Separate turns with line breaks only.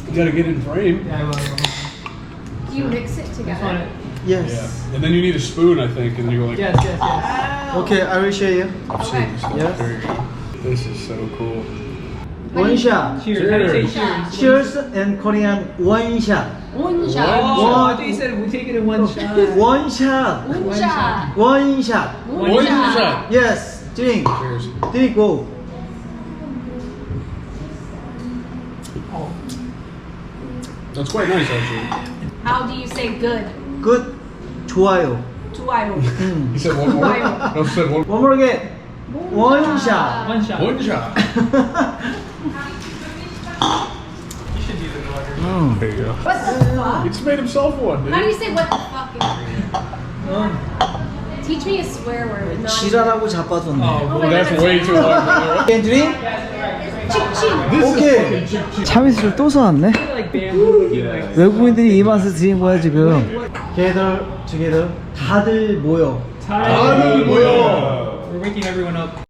You gotta get in frame.
Yeah, I will.
Do you mix it together?
Yes.
Yeah. And then you need a spoon, I think, and you go like.
Yes, yes, yes.
Okay, I will show you.
I've seen this.
Yes.
There you go. This is so cool.
One shot.
Cheers. How do you say
Cheers.
cheers?
Cheers and Korean one shot.
One
Oh,
shot.
I thought you said we take it in one shot.
One shot.
One shot.
One shot.
One shot.
Yes. Drink.
Cheers.
Drink go.
That's quite nice, actually.
How do you say good?
Good. 좋아요.
좋아요.
He said one more. No, he said one.
One more again. One shot.
One shot.
One shot.
You should use it water.
There you go.
What the fuck?
He just made himself one, dude.
How do you say what the fuck in Korean? Teach me a swear word. Not
지랄하고 자빠졌네.
Oh,
Oh
Well,
my
that's
God,
way
that's
too long, brother.
Can drink?
칙칙.
This
오케이.
is fucking chip.
참이슬을 또 사왔네.
like bamboo looking like.
외국인들이 이 맛을 드린 거야 지금. together 다들 모여.
Tired.
뭐야?
We're waking everyone up.